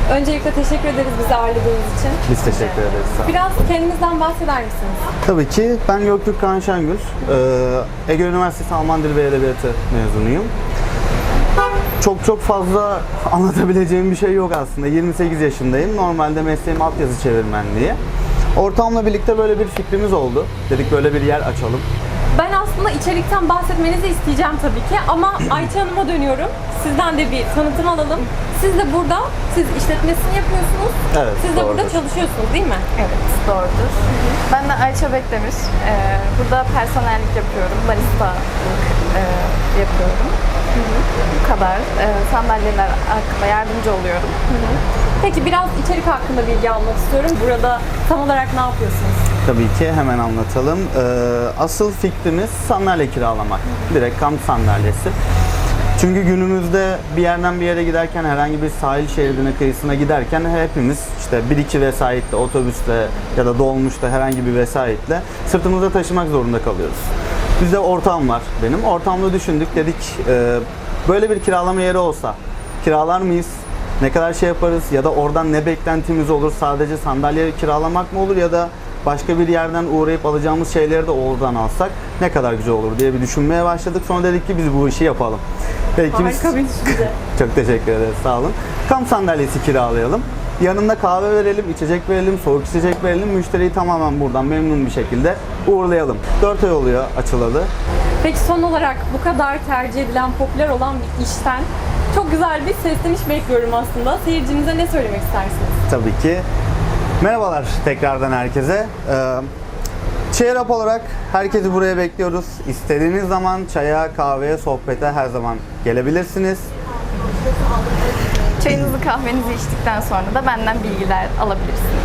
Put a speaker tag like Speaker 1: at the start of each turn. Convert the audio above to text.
Speaker 1: Öncelikle teşekkür ederiz bizi ağırladığınız için.
Speaker 2: Biz teşekkür ederiz. Sağ olun.
Speaker 1: Biraz kendinizden bahseder misiniz?
Speaker 2: Tabii ki ben Göktürk Kaan Şengül. Ege Üniversitesi Alman Dili ve Edebiyatı mezunuyum. Çok fazla anlatabileceğim bir şey yok aslında. 28 yaşındayım. Normalde mesleğim altyazı çevirmenliği. Ortamla birlikte böyle bir fikrimiz oldu. Dedik böyle bir yer açalım.
Speaker 1: Ben aslında içerikten bahsetmenizi isteyeceğim tabii ki ama Ayça Hanım'a dönüyorum. Sizden de bir tanıtım alalım. Siz de burada, siz işletmesini yapıyorsunuz.
Speaker 2: Evet,
Speaker 1: Siz de burada
Speaker 2: doğrudur.
Speaker 1: çalışıyorsunuz değil mi?
Speaker 3: Evet, doğrudur. Ben de Ayça Bekdemir. Burada personellik yapıyorum, baristalık yapıyorum. Bu kadar. Sandalyeler hakkında yardımcı oluyorum.
Speaker 1: Peki biraz içerik hakkında bilgi almak istiyorum. Burada tam olarak ne yapıyorsunuz?
Speaker 2: Tabii ki hemen anlatalım. Asıl fikrimiz sandalye kiralamak. Direkt kamp sandalyesi. Çünkü günümüzde bir yerden bir yere giderken, herhangi bir sahil şeridine, kıyısına giderken hepimiz işte 1-2 vesayetle, otobüsle ya da dolmuşla, herhangi bir vesayetle sırtımızda taşımak zorunda kalıyoruz. Bizde ortağım var benim. Ortamla düşündük, dedik böyle bir kiralama yeri olsa kiralar mıyız? Ne kadar şey yaparız ya da oradan ne beklentimiz olur? Sadece sandalye kiralamak mı olur ya da başka bir yerden uğrayıp alacağımız şeyleri de oradan alsak ne kadar güzel olur diye bir düşünmeye başladık. Sonra dedik ki biz bu işi yapalım. Belki biz...
Speaker 1: Harika bir düşünce.
Speaker 2: Çok teşekkür ederiz, sağ olun. Kamp sandalyesi kiralayalım. Yanında kahve verelim, içecek verelim, soğuk içecek verelim. Müşteriyi tamamen buradan memnun bir şekilde uğurlayalım. 4 ay oluyor açılalı.
Speaker 1: Peki son olarak bu kadar tercih edilen, popüler olan bir işten çok güzel bir sesleniş bekliyorum aslında. Seyircimize ne söylemek istersiniz?
Speaker 2: Tabii ki. Merhabalar tekrardan herkese. Cheer Up olarak herkesi buraya bekliyoruz. İstediğiniz zaman çaya, kahveye, sohbete her zaman gelebilirsiniz.
Speaker 3: Çayınızı, kahvenizi içtikten sonra da benden bilgiler alabilirsiniz.